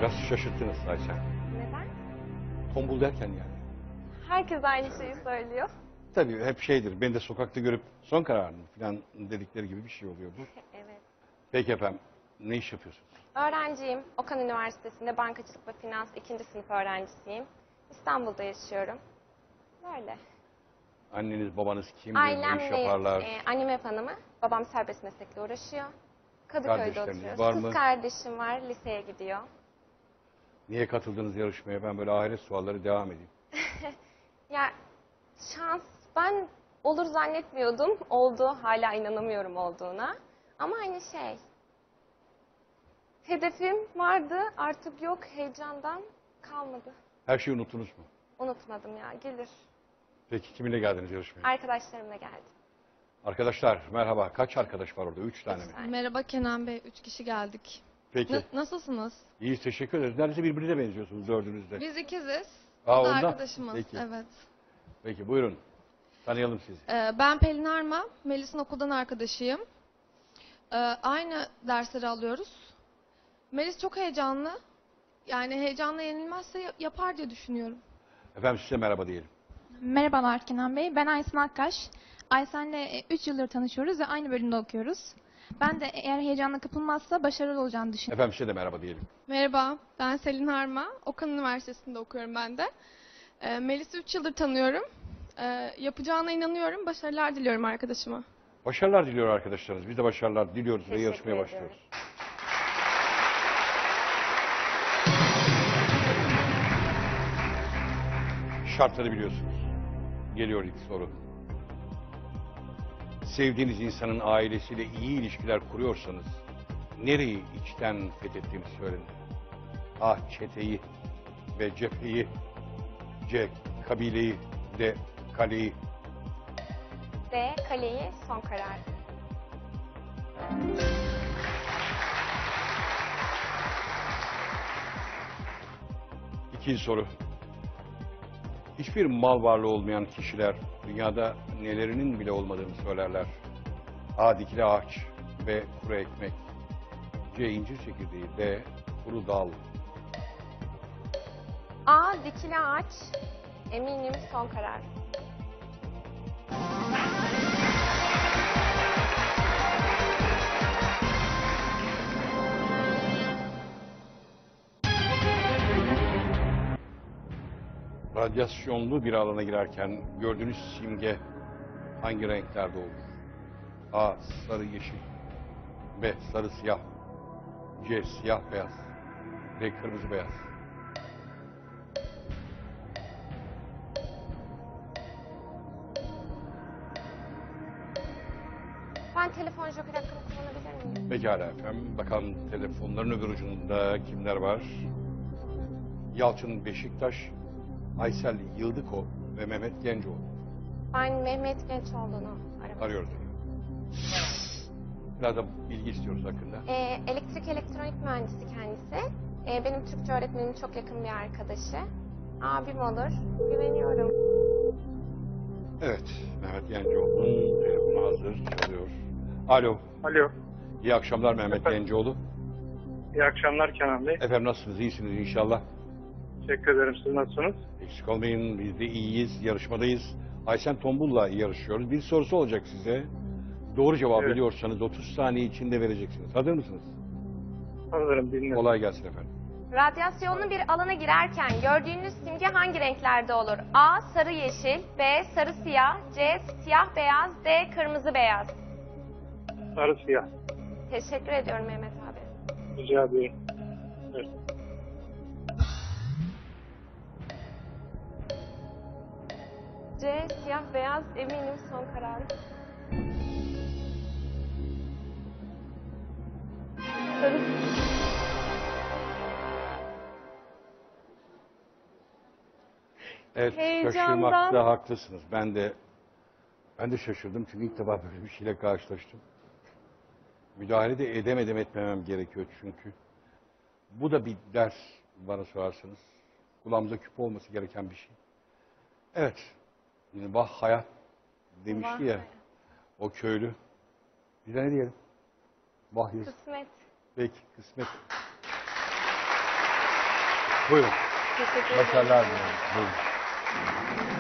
Biraz şaşırttınız Ayşe. Neden? Tombul derken yani. Herkes aynı şeyi söylüyor. Tabii hep şeydir. Beni de sokakta görüp son kararını falan dedikleri gibi bir şey oluyor bu. Evet. Peki efendim. Ne iş yapıyorsunuz? Öğrenciyim. Okan Üniversitesi'nde bankacılık ve finans 2. sınıf öğrencisiyim. İstanbul'da yaşıyorum. Böyle. Anneniz babanız kimdir? Ailem Ne iş yaparlar? Annem ev hanımı. Babam serbest meslekle uğraşıyor. Kadıköy'de Kardeşleriniz oturuyoruz. var Kız mı? kardeşim var. Liseye gidiyor. Niye katıldınız yarışmaya? Ben böyle ahiret sualları devam edeyim. Ya şans ben olur zannetmiyordum. Oldu. Hala inanamıyorum olduğuna. Ama hani hedefim vardı. Artık yok. Heyecandan kalmadı. Her şeyi unuttunuz mu? Unutmadım ya. Gelir. Peki kiminle geldiniz yarışmaya? Arkadaşlarımla geldim. Arkadaşlar merhaba. Kaç arkadaş var orada? 3 tane mi? Merhaba Kenan Bey, 3 kişi geldik. Peki. Nasılsınız? İyi teşekkür ederiz. Neredeyse birbirine benziyorsunuz dördünüzde. Biz ikiziz. Aa, O da ondan. arkadaşımız. Peki. Evet. Peki buyurun. Tanıyalım sizi. Ben Pelin Arma, Melis'in okuldan arkadaşıyım. Aynı dersleri alıyoruz. Melis çok heyecanlı. Yani heyecanla yenilmezse yapar diye düşünüyorum. Efendim size merhaba diyelim. Merhabalar Kenan Bey. Ben Aysen Akkaş. Aysen'le 3 yıldır tanışıyoruz ve aynı bölümde okuyoruz. Ben de eğer heyecanla kapılmazsa başarılı olacağını düşünüyorum. Efendim size de merhaba diyelim. Merhaba, ben Selin Harma. Okan Üniversitesi'nde okuyorum ben de. Melis'i 3 yıldır tanıyorum. Yapacağına inanıyorum. Başarılar diliyorum arkadaşıma. Başarılar diliyor arkadaşlarınız. Biz de başarılar diliyoruz ve Teşekkür yarışmaya ediyorum. başlıyoruz. Şartları biliyorsunuz. Geliyor ilk soru. Sevdiğiniz insanın ailesiyle iyi ilişkiler kuruyorsanız nereyi içten fethettiğini söyleyin. A. Çeteyi. B. Cepheyi. C. Kabileyi. D. Kaleyi. D. Kaleyi son karar. İkinci soru. Hiçbir mal varlığı olmayan kişiler dünyada nelerinin bile olmadığını söylerler. A. Dikili ağaç. B. Kuru ekmek. C. İncir çekirdeği. D. Kuru dal. A. Dikili ağaç. Eminim son karar. Radyasyonlu bir alana girerken gördüğünüz simge hangi renklerde olur? A. Sarı yeşil. B. Sarı siyah. C. Siyah beyaz. D. Kırmızı beyaz. Ben telefon joker hakkımı kullanabilir miyim? Pekala efendim. Bakalım telefonların öbür ucunda kimler var? Yalçın Beşiktaş, Aysel Yıldıko ve Mehmet Gencoğlu. Ben Mehmet Gençoğlu'nu aramak. Arıyoruz. Biraz da bilgi istiyoruz hakkında. Elektrik elektronik mühendisi kendisi. Benim Türkçe öğretmenimin çok yakın bir arkadaşı. Abim olur. Güveniyorum. Evet, Mehmet Gencoğlu'nun telefonu hazır, çalıyor. Alo, Alo. iyi akşamlar Mehmet Gencoğlu. İyi akşamlar Kenan Bey. Efendim nasılsınız, iyisiniz inşallah. Teşekkür ederim. Siz nasılsınız? Eksik olmayın, biz de iyiyiz, yarışmadayız. Aysen Tombul'la yarışıyoruz. Bir sorusu olacak size. Doğru cevap Evet. biliyorsanız 30 saniye içinde vereceksiniz. Hazır mısınız? Hazırım, dinliyorum. Kolay gelsin efendim. Radyasyonlu bir alana girerken gördüğünüz simge hangi renklerde olur? A. Sarı yeşil. B. Sarı siyah. C. Siyah beyaz. D. Kırmızı beyaz. Sarı siyah. Teşekkür ediyorum Mehmet abi. Rica ediyorum. Evet. C. Siyah beyaz. Eminim son karar. Sarı. Evet, Heyecandan. şaşırmakta haklısınız. Ben de şaşırdım çünkü ilk defa böyle bir şeyle karşılaştım. Müdahale de edemedim etmemem gerekiyor çünkü. Bu da bir ders bana sorarsanız. Kulağımıza küp olması gereken bir şey. Evet. Yani vah hayat demişti Vah ya hayat. o köylü. Bir de ne diyelim? Vah yazık. Kısmet. Peki kısmet. Buyurun. Teşekkür ederim. Başarılar dilerim. Buyurun.